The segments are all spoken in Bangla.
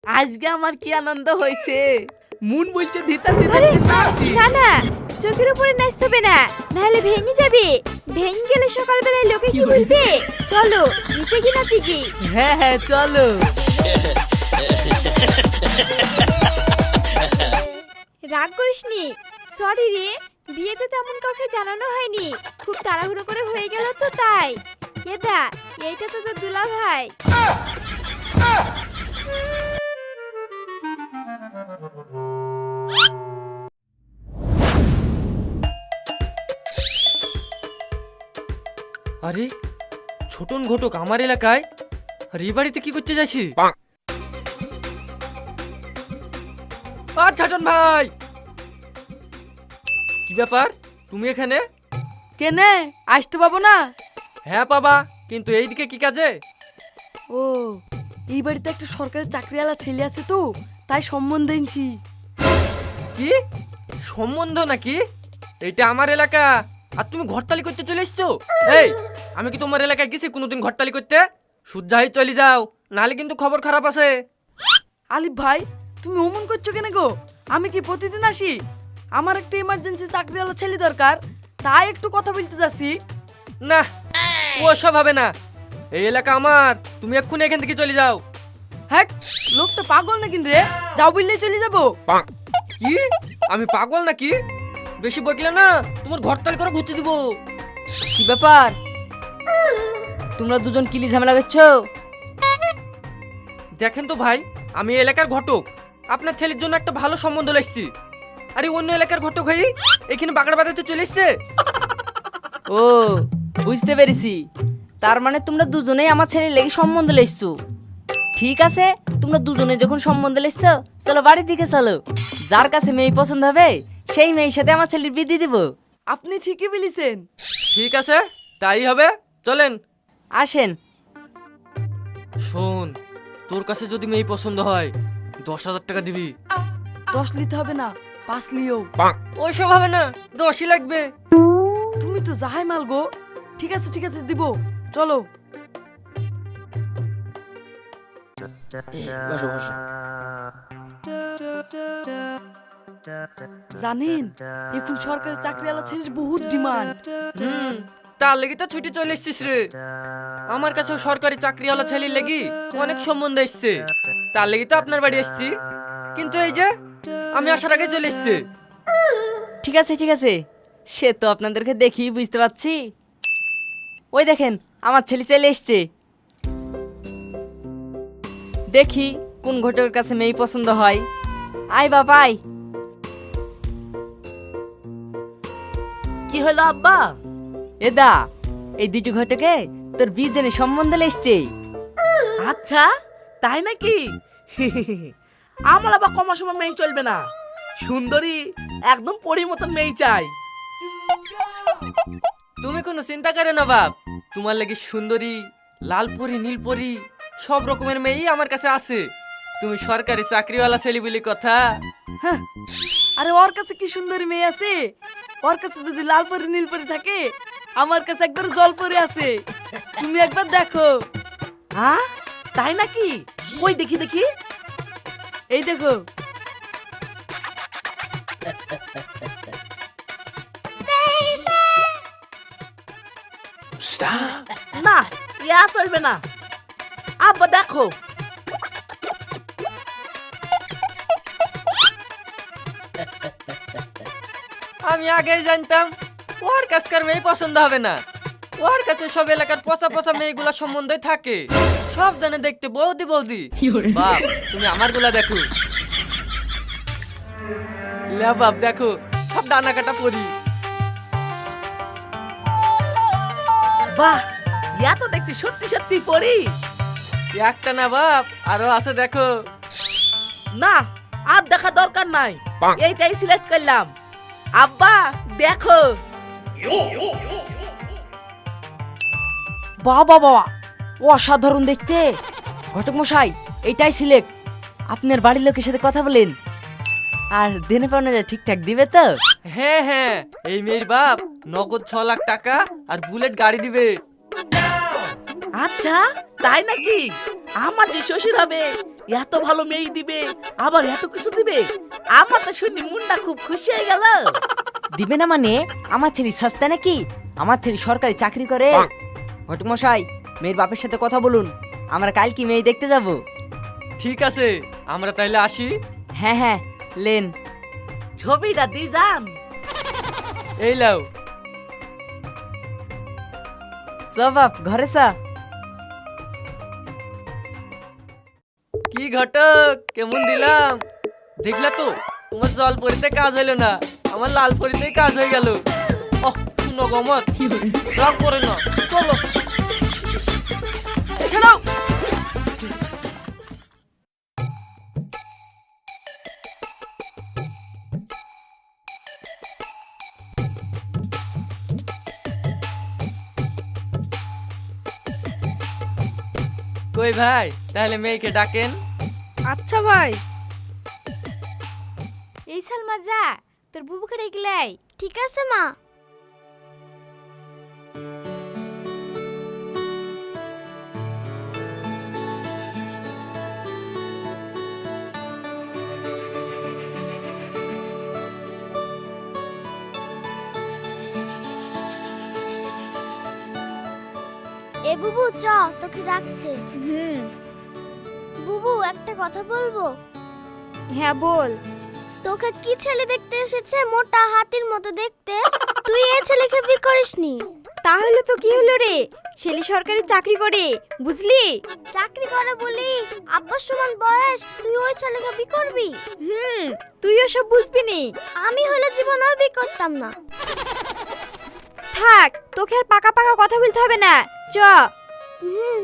আজকে আমার কি আনন্দ হয়েছে। মন বলছে দিতাম আরে নাচি। না না, চোখের উপরে নাচতে হবে না, নাহলে ভেঙে যাবে। ভেঙে গেলে সকালবেলায় লোকে কি বলবে? চলো নিচে কি নাচি কি? হ্যাঁ হ্যাঁ চলো। রাগ করিসনি, সরি রে, বিয়েতে তেমন কাউকে জানানো হয়নি, খুব তাড়াহুড়ো করে হয়ে গেল তো তাই। এদা, এইটা তো তোর দুলা ভাই। আরে ছোটন ঘটক আমার এলাকায়, আর এই বাড়িতে কি করতে যাচ্ছি? আর ছাটন ভাই, কি ব্যাপার তুমি এখানে? কেনে আসতে পাবো না? হ্যাঁ বাবা, কিন্তু এইদিকে কি কাজে? ও, এই বাড়িতে একটা সরকারি চাকরিওয়ালা ছেলে আছে তো, তাই সম্বন্ধ এনেছি। কি সম্বন্ধ নাকি? এইটা আমার এলাকা, আর তুমি ঘরতালি করতে চলে এসছো? এই, আমি কি তোমার এলাকায় গেছি কোনোদিন ঘরতালি করতে? সুজাই চলে যাও, নাহলে কিন্তু খবর খারাপ আছে। আলিফ ভাই, তুমি অমন করছো কেন গো? আমি কি প্রতিদিন আসি? আমার একটা ইমার্জেন্সি চাকরিওয়ালা ছেলে দরকার, তাই একটু কথা বলতে যাচ্ছি। না, ওসব হবে না, এই এলাকা আমার, তুমি এক্ষুনি এখান থেকে চলে যাও। হ্যাঁ, লোকটা পাগল না কিন্তু রে, যাও বললেই চলে যাবো। কি আমি পাগল নাকি? বেশি বকলে না তোমার ঘরতালি করে ঘুরতে দিব। কি ব্যাপার, তোমরা দুজন কিলি ঝামেলা করছো? দেখেন তো ভাই, আমি এই এলাকার ঘটক, আপনার ছেলের জন্য একটা ভালো সম্বন্ধ এসেছি। আরে অন্য এলাকার ঘটক হয়ে এখানে বাগড়া বাজাতে চলে এসছে। ও, বুঝতে পেরেছি, তার মানে তোমরা দুজনেই আমার ছেলের লেগে সম্বন্ধ লেসছো। ঠিক আছে, তোমরা দুজনে যখন সম্বন্ধ লেসছো, চলো বাড়ির দিকে চলো। যার কাছে মেয়ে পছন্দ হবে সেই মেয়ের সাথে আমার ছেলের বিয়ে দিয়ে দেবো। আপনি ঠিকই বলেছেন। ঠিক আছে, তাই হবে, চলেন। আসেন। শোন, তোর কাছে যদি মেয়ে পছন্দ হয় 10,000 টাকা দিবি। 10 নিতে হবে না, 5 লিও। ওইসব হবে না, 10ই লাগবে। তুমি তো যাহাই মাল গো। ঠিক আছে ঠিক আছে, দিব, চলো। জানেন, এখন সরকারি চাকরিওয়ালা ছেলের বহুত ডিমান্ড। তার লেগে তো ছুটি চলে এসছিস রে। আমার কাছেও সরকারি চাকরিওয়ালা ছেলের লেগে অনেক সম্বন্ধ এসছে, তার লেগে তো আপনার বাড়ি এসছি। কিন্তু এই যে আমি আসার আগে চলে এসছে। ঠিক আছে ঠিক আছে, সে তো আপনাদেরকে দেখি বুঝতে পারছি। ওই দেখেন, আমার ছেলে চলে এসছে। দেখি কোন ঘটকের কাছে মেয়ে পছন্দ হয়। আয় বাবাই। কি হলো আব্বা? এদা, এই দুটো ঘটকে তোর বিজনে সম্বন্ধ এসছে। আচ্ছা, তাই নাকি? আমার আবার কমার সময় মেয়ে চলবে না, সুন্দরী একদম পরীর মতন মেয়ে চাই। তুমি কোনো চিন্তা করে না বাপ, তোমার লাগি সুন্দরী, লাল পরি, নীল পরি, সব রকমের মেয়েই আমার কাছে আছে। তুমি সরকারি চাকরিওয়ালা ছেলে বলি কথা। হ্যাঁ, আরে ওর কাছে কি সুন্দরী মেয়ে আছে? ওর কাছে যদি লাল পরি নীল পরি থাকে, আমার কাছে একবার জল পরি আছে। তুমি একবার দেখো। হ্যাঁ, তাই নাকি? কই দেখি দেখি। এই দেখো। না, ইয়া চলবে না। আব্বা দেখো। আমি আগেই জানতাম ওর কাছকার মেয়ে পছন্দ হবে না। ওর কাছে সব এলাকার পচা পচা মেয়েগুলা সম্বন্ধে থাকে, সব জানে দেখতে বৌদি বৌদি। বাপ, তুমি আমার গুলা দেখো। লে বাপ দেখো, সব ডানা কাটা পরি। বাহ, ইয়া তো দেখছি সত্যি সত্যি পরি। একটা না বাপ, আরো আছে দেখো। না, আর দেখা দরকার নাই, এইটাই সিলেক্ট করলাম। আব্বা দেখো। বাবা বাবা, অসাধারণ দেখতে। ঘটক মশাই, এইটাই সিলেক্ট। আপনার বাড়ির লোকের সাথে কথা বলেন, আর দেনে পাওনা ঠিকঠাক দিবে তো? হ্যাঁ হ্যাঁ, এই মেয়ের বাপ নগদ 6 লাখ টাকা আর বুলেট গাড়ি দিবে। আচ্ছা, তাই নাকি? আমার যে শ্বশুর হবে এত ভালো মেয়ে দিবে, আবার এত কিছু দিবে, আমার তো শুনি মনটা খুব খুশি হয়ে গেল। দিবে না মানে? আমার ছেলে সস্তা নাকি? আমার ছেলে সরকারি চাকরি করে। ঘটক মশাই, মেয়ের বাপের সাথে কথা বলুন, আমরা কাল কি মেয়ে দেখতে যাব। ঠিক আছে, আমরা তাইলে আসি। হ্যাঁ হ্যাঁ, লেন। ছবিটা দি যান। এই লাও। বাপ ঘরে চা। কি ঘটক, কেমন দিলাম? দেখলা তো, তোমার জল পরিতে কাজ হইলো না, আমার লাল পরিতে কাজ হয়ে গেল। ওহ শুনো গমত, রাগ করে না, চলো। ছাড়াও। কই ভাই, তাহলে মেয়েকে ডাকেন। আচ্ছা ভাই। এই সালমা যা, তোর বুবুকে ডেকেলাই। ঠিক আছে মা। এ বুবু চ, তোকে ডাকছে। বুবু একটা কথা বলবো? হ্যাঁ বল। তোকে কি ছেলে দেখতে এসেছে, মোটা হাতির মতো দেখতে? তুই এই ছেলেকে বিয়ে করিসনি? তাহলে তো কি হলো রে, ছেলে সরকারি চাকরি করে, বুঝলি? চাকরি করে বলি আব্বার সমান বয়স, তুই ওই ছেলেকে বিয়ে করবি? তুই ওসব বুঝবি নি। আমি হলে জীবনেও বিয়ে করতাম না। থাক, তোকে আর পাকা পাকা কথা বলতে হবে না, চ। হুম।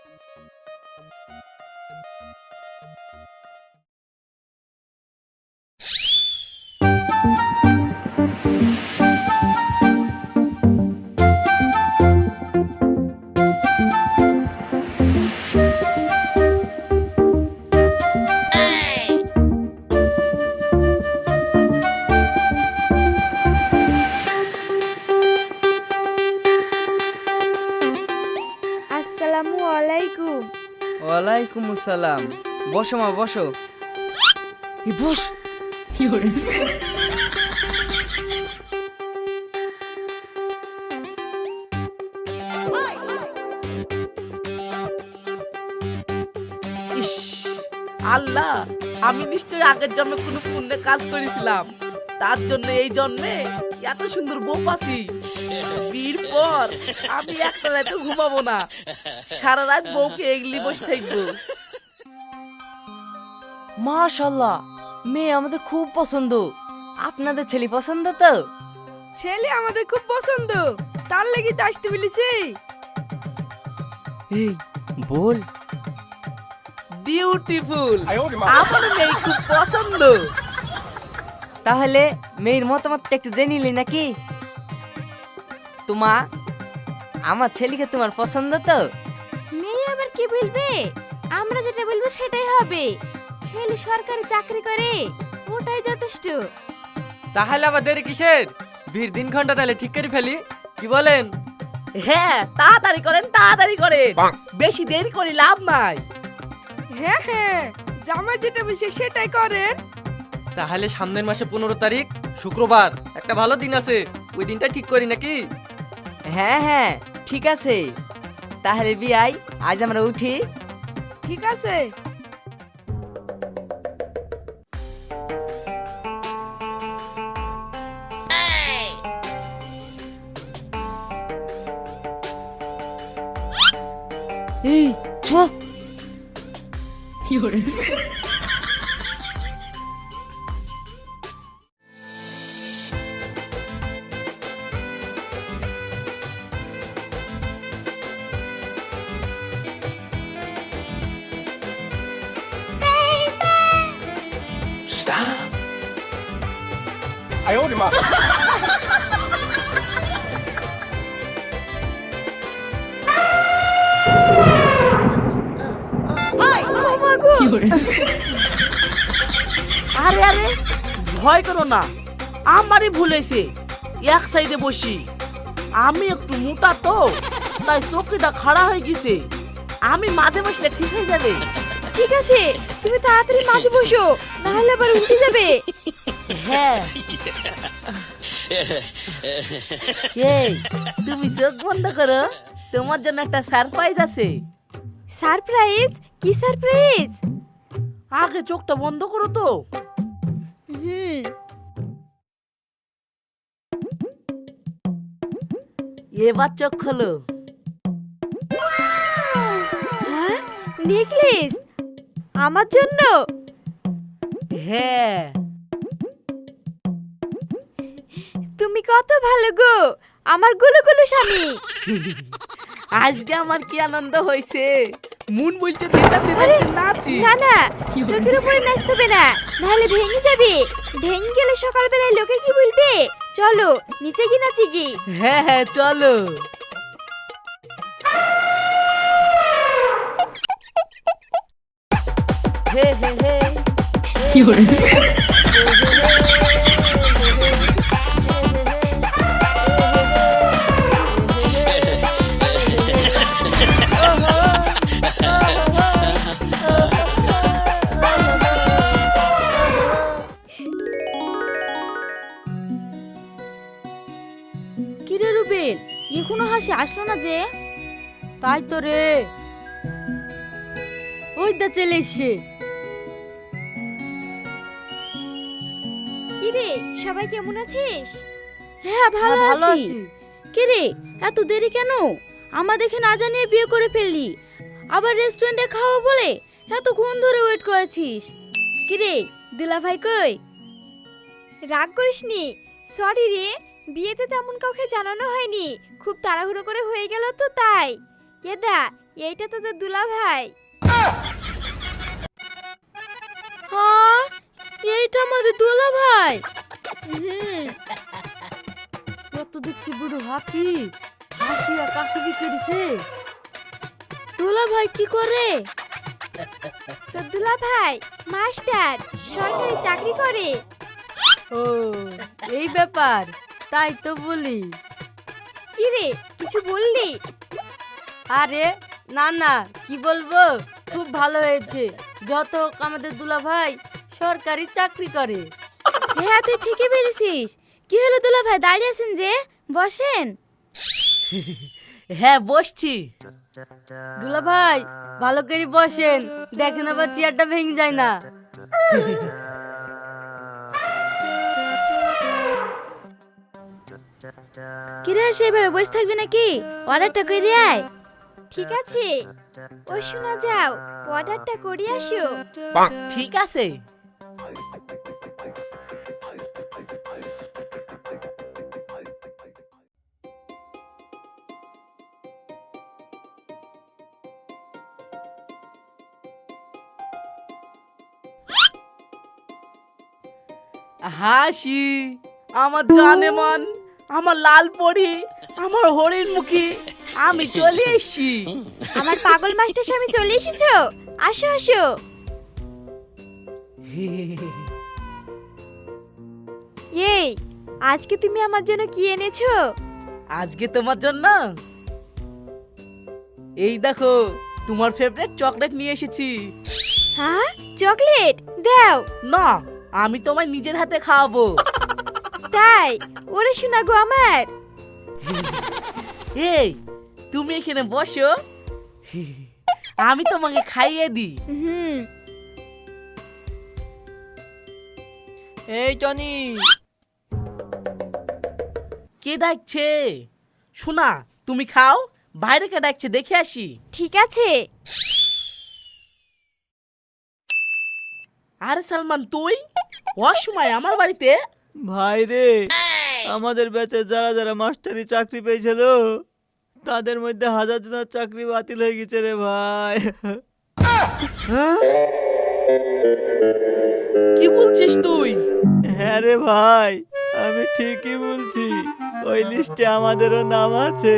আসসালামু আলাইকুম। ওয়ালাইকুম আসসালাম। বসো মা, বসো। বস। ইস আল্লাহ, আমি নিশ্চয়ই আগের জন্মে কোনো পুণ্যে কাজ করেছিলাম, তার জন্য এই জন্মে এত সুন্দর বউ পাচ্ছি। বিয়ের পর আমি একটা রাতে ঘুমাবো না, সারা রাত বউকে এগলি বসে থাকবো। মাশাআল্লাহ, মেয়ে আমাদের খুব পছন্দ। আপনাদের ছেলে পছন্দ তো? ছেলে আমাদের খুব পছন্দ, তার লাগি তো আসতে বলেছি। এই বল। বিউটিফুল, আমার মেয়ে খুব পছন্দ। তাহলে মেয়ের মতামতটা একটু জেনে নিলি নাকি? তোমা, আমার ছেলেকে তোমার পছন্দ তো? মেয়ে আবার কি বলবে? আমরা যেটা বলবো সেটাই হবে। ছেলে সরকারি চাকরি করে, ওটাই যথেষ্ট। তাহলে আবার দেরি কিসের? বিয়ের দিন ঘন্টা তাহলে ঠিক করে ফেলি, কি বলেন? হ্যাঁ তাড়াতাড়ি করেন, তাড়াতাড়ি করেন, বেশি দেরি করে লাভ নাই। হ্যাঁ হ্যাঁ, জামাই যেটা বলছে সেটাই করেন। তাহলে সামনের মাসে 15 তারিখ শুক্রবার একটা ভালো দিন আছে, ওই দিনটা ঠিক করি নাকি? হ্যাঁ হ্যাঁ ঠিক আছে। তাহলে বিয়াই আজ আমরা উঠি। ঠিক আছে। এই চ। আরে আরে, ভয় করো না, আমারই ভুল হয়েছে। এক সাইডে বসি, আমি একটু মোটা তো, তাই চোখটা খাড়া হয়ে গেছে। আমি মাঝে বসলে ঠিক হয়ে যাবে। ঠিক আছে, তুমি তাড়াতাড়ি মাঝে বসো, না হলে আবার উল্টে যাবে। হ্যাঁ। এই তুমি চোখ বন্ধ করো, তোমার জন্য একটা সারপ্রাইজ আছে। সারপ্রাইজ? কি সারপ্রাইজ? আগে চোখটা বন্ধ করো তো। হুম। এবার চোখ খোলো। হ্যাঁ, নেকলেস আমার জন্য? হ্যাঁ। তুমি কত ভালো গো, আমার গুলো গুলো স্বামী। আজকে আমার কি আনন্দ হয়েছে, মন বলছে দিদা দিদা নাচি। না না, চোখের উপরে নাচতে হবে না, নাহলে ভেঙে যাবে। ভেঙে গেলে সকালবেলায় লোকে কি বলবে? চলো নিচে গিয়ে নাচি কি। হ্যাঁ হ্যাঁ চলো। হে হে হে কি করে? কিরে রুবেল, এখনো হাসি আসলো না যে? তাই তো রে, ওই দা চলে এসছে। কি রে, সবাই কেমন আছিস? হ্যাঁ ভালো ভালো আছি। আছি। কিরে এত দেরি কেন? আমার দেখে না জানিয়ে বিয়ে করে ফেললি, আবার রেস্টুরেন্টে খাওয়া বলে এতক্ষণ ধরে ওয়েট করেছিস। কিরে দিলা ভাই কই? রাগ করিসনি, সরি রে, বিয়েতে তেমন কাউকে জানানো হয়নি, খুব তাড়াহুড়ো করে হয়ে গেল তো তাই। এদা, এইটা তোদের দুলা ভাই। হ্যাঁ, এইটা আমাদের দোলা ভাই। হুম। কত দেখছি বুড়ো হাতি হাসিয়া কাকে বিকে দিছে। দোলা ভাই কি করে? তোর দুলা ভাই মাস্টার, সরকারি চাকরি করে। ও এই ব্যাপার, তাই তো বলি। কি রে, কিছু বললি? আরে না না, কি বলবো, খুব ভালো হয়েছে। যত হোক আমাদের দুলা ভাই সরকারি চাকরি করে। হ্যাঁ তুই ঠিকই বলেছিস। কি হলো দোলা ভাই, দাঁড়িয়ে আছেন যে? বসেন। হ্যাঁ বসছি। দুলা ভাই ভালো করে বসেন, দেখেন আবার চেয়ারটা ভেঙে যায় না। কিরে সেইভাবে বসে থাকবি নাকি? অর্ডারটা করে আয়। ঠিক আছে, ও শোনা যাও, অর্ডারটা করে আসো। ঠিক আছে। হাসি আমার জানে মন, আমার লাল পরি, আমার হরিণ মুখী, আমি চলে এসছি। আমার পাগল মাস্টার স্বামী চলে এসেছো, আসো আসো। এই, আজকে তুমি আমার জন্য কি এনেছো? আজকে তোমার জন্য এই দেখো তোমার ফেভারিট চকলেট নিয়ে এসেছি। হ্যাঁ, চকলেট দাও। না, আমি তোমায় নিজের হাতে খাওয়াবো। তাই? ওরে শোনা গো আমার। এই তুমি এখানে বসো, আমি তোমাকে খাইয়ে দিই। হুম। এই টনি, কে ডাকছে? শোনা তুমি খাও, বাইরে কে ডাকছে দেখে আসি। ঠিক আছে। আরে সালমান তুই অসময় আমার বাড়িতে? ভাই রে, আমাদের ব্যাচে যারা যারা মাস্টারি চাকরি পেয়েছিল তাদের মধ্যে 1000 জনের চাকরি বাতিল হয়ে গেছে রে ভাই। হ্যাঁ? কি বলছিস তুই? হ্যাঁ রে ভাই, আমি ঠিকই বলছি, ওই লিস্টে আমাদেরও নাম আছে।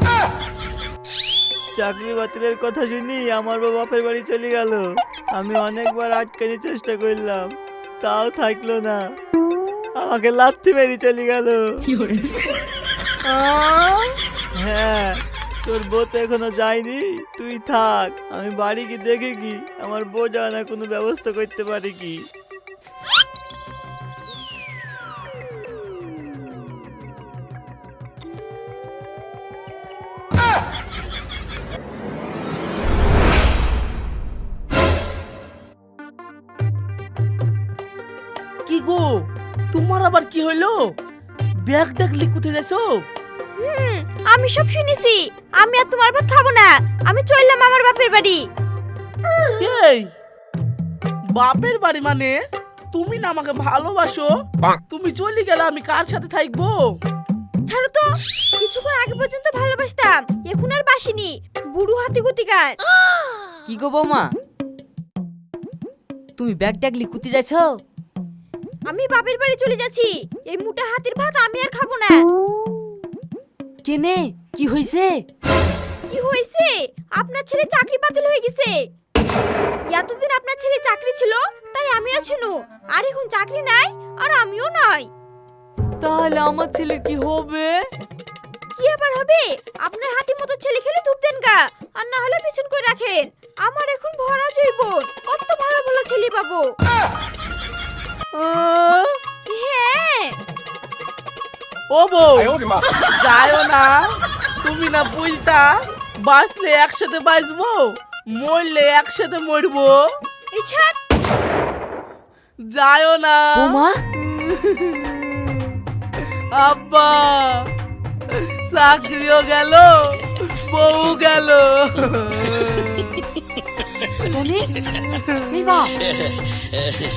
চাকরি বাতিলের কথা শুনি আমার বাপের বাড়ি চলে গেল। আমি অনেকবার আটকানোর চেষ্টা করলাম, তাও থাকলো না, আমাকে লাথি মেরে চলে গেল। হ্যাঁ, তোর বউ তো এখনো যায়নি, তুই থাক, আমি বাড়ি কি দেখে কি আমার বউ যায় না কোনো ব্যবস্থা করতে পারি কি। কি গো, তোমার আবার কি হইলো? ব্যাগ ডাকলি কোথায় যাইছো? আমি সব শুনেছি। আমি আর তোমার ভাত খাবো না। আমি চললাম আমার বাপের বাড়ি। এই বাপের বাড়ি মানে তুমি না আমাকে ভালোবাসো? তুমি চলে গেলে আমি কার সাথে থাকবো? ছাড়ো তো, কিছুক্ষণ আগে পর্যন্ত ভালোবাসতাম, এখন আর বাসিনি। বুড়ো হাতি গতিকার। কি গো বৌমা, তুমি ব্যাগ ট্যাগ লিকুতি যাইছো? আমি বাপের বাড়ি চলে যাচ্ছি। এই মোটা হাতির ভাত আমি আর খাবো না। কেনে কি হইছে? কি হয়েছে? আপনার ছেলে চাকরি বাতিল হয়ে গেছে। এতদিন আপনার ছেলে চাকরি ছিল, তাই আমিও ছিল। আর এখন চাকরি নাই, আর আমিও নাই। তাহলে আমার ছেলের কি হবে? কি আবার হবে? আপনার হাতির মতো ছেলে খেলে ধূপ দেন গা, আর না হলে পিছন করে রাখেন। আমার এখন ভরা জীবন, কত ভালো ভালো ছেলে পাবো। হ্যাঁ। ও বউ, যাইও না। তুমি না বুঝতা, বাঁচলে একসাথে বাঁচবো, মরলে একসাথে মরবো। এই ছাড়। যাইও না। বৌমা, আব্বা, চাকরিও গেল, বউ গেল। টনি, এই মা